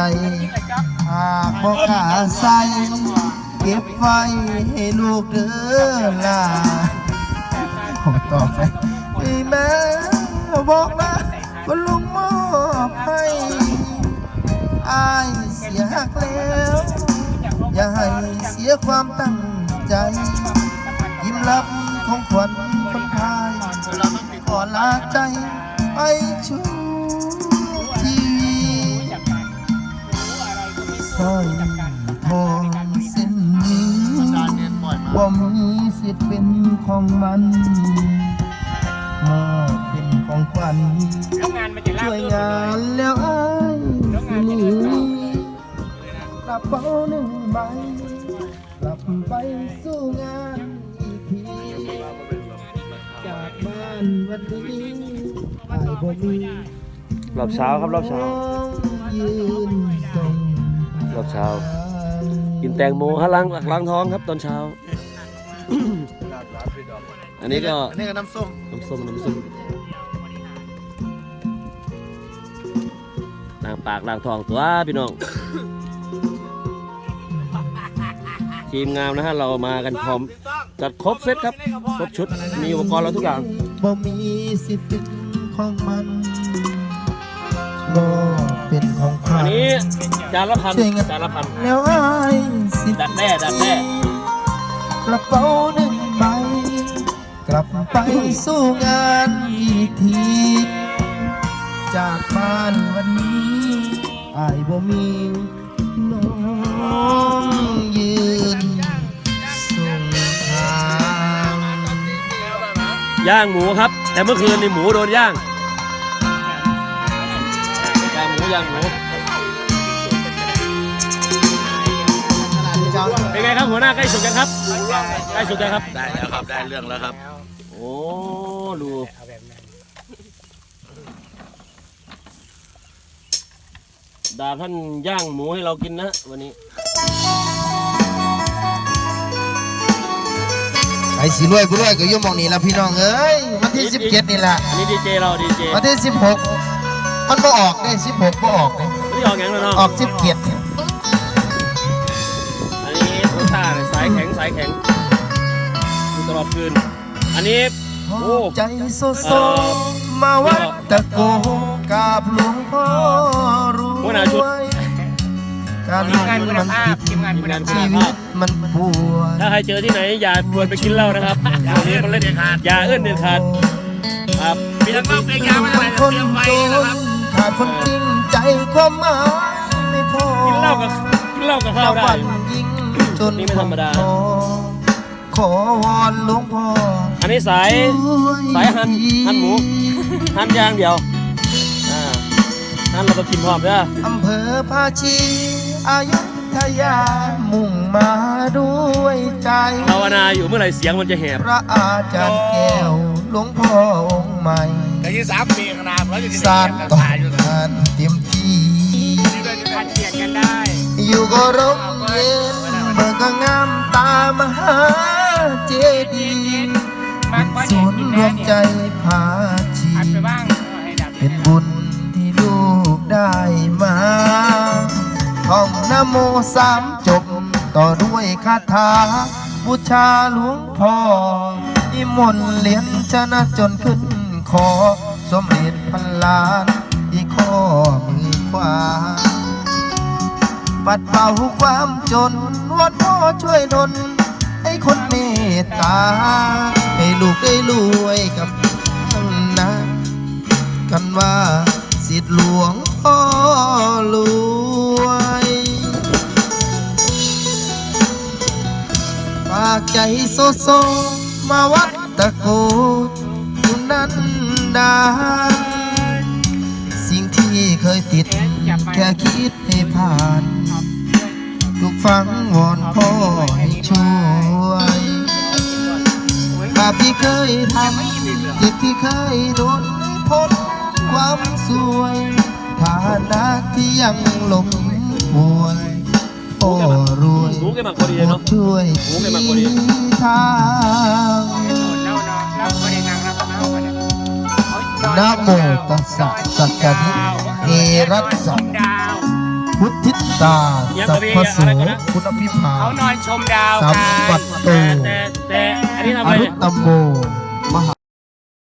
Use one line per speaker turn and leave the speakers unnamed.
หากพ่อขาใส่เก็บไว้ให้ลูกเด้อล่ะผมตอบไปแม่บอกนะว่าลุงมอบให้อายเสียหักแล้วอย่าให้เสียความตั้งใจยิ้มรับของขวัญคนไทยขอลาใจไปชูชีวิตสร้อยทองเส้นนี้ว่ามีสิทธิ์เป็นของมันมอบเป็นของขวัญช่วยงานแล้วไอ้สิหนีกระเป๋าหนึ่งใบกลับไปสู้งานอีกทีจากบ้านวันนี้ไอ้บ่มี
รอบเช้าครับรอบเช้า
ยืนส่ง
รอบเช้ากินแตงโมฮะล้างท้องครับตอนเช้า อันนี้ก็
น้ำส้ม
ล้างปากล้างท้องตัวพี่น้อง ทีมงานนะฮะเรามากันพร้อมจัดครบเซตครับครบชุดมีอุปกรณ์เราทุกอย่าง
บ่มีสิทธิ์เป็นของมันบ่เป็นของใคร
อันนี้จานละพัน
แล้วไอ้สิ
ดักแด้
กระเป๋าหนึ่งใบกลับไปสู้งานอีกทีจากบ้านวันนี้ไอ้บ่มีน้องยืนส่งทาง
ย่างหมูครับแต่เมื่อคืนนี่หมูโดนย่างหมูเป็นไงครับหัวหน้าใกล้สุดยังครับใกล้สุดยังครับ
ได้แล้วครับได้เรื่องแล้วครับ
โอ้ดูดาท่านย่างหมูให้เรากินนะวันนี้
ไอ้สีรวยผู้รวยก็ยุ่งมองนี่ละพี่น้องเอ้ยวันที่17นี่แหละ
อันนี้ดีเจเราดีเจ
วันที่16มันบ่ออกได้16บ่ออกเลย
ไม่ออกอย่างนั้นเนาะ
ออก17
อันนี้โคต้าสายแข็งอยู่ตลอดคืนอันนี้โอ้
ใจโซมาวัดตะโกกราบหลวงพ่อรวยการงานมันติดชีวิตมันปวด
ถ้าใครเจอที่ไหนอย่าชวนไปกินเหล้านะครับวันนี้มันเล่นอย่าเอื้อนเด็ดขาดครับ
มีทั้งเล่าเพลงยาวมาอะไร
คนจนขาดคนจริงใจความหมายไม่พอ
กินเหล้ากับข้าวได้
ยิ่งจน
นี่ไม่ธรรมดา
ขอวอนหลวงพ่อ
อันนี้สายหั่นหมูหั่นย่างเดียวหั่นเราก็กินพร้อมเด้อ
อำเภอภาชีอยุธยามุ่งมาด้วยใจ
ภาวนาอยู่เมื่อไหร่เสียงมันจะแหบ
พระอาจารย์แก้วหลวงพ่อองค์ใหม่
แต่ยี่3 ปีขนาดแล้ว
สานต่อการเตรียมที่อยู่ก็ร่มเย็นเมื่อก็งามตามหาเจดีย์เป็นศูนย์รวมใจพาชีเป็นบุญที่ลูกได้มาท่องนะโม3 จบต่อด้วยคาถาบูชาหลวงพ่อนิมนต์เหรียญชนะจนขึ้นขอสมเด็จพันล้านที่ข้อมือขวาปัดเป่าความจนวอนพ่อช่วยดลให้คนเมตตาให้ลูกได้รวยกับทั้งนั้นกันว่าสิทธิหลวงพ่อรวยฝากใจโซมาวัดตะโกอยู่นั้นดานสิ่งที่เคยติดแค่คิดให้ผ่านทุกฟังวอนพ่อให้ช่วยบาปที่เคยทำจิตที่เคยโดนพ้นความสวยฐานะที่ยังหลงป่วยพ่อรวยช่วยทางนะโมตัสสะสัจจะเอรัสสะพุทธิตาสัพพโสพุทธพิภา
เขานอนชมดาว
สัพ
กัน
ปัตโต
แต่อันนี้ทำ
อ
อะไร
รุ
เนี่ย
ตตโมมหา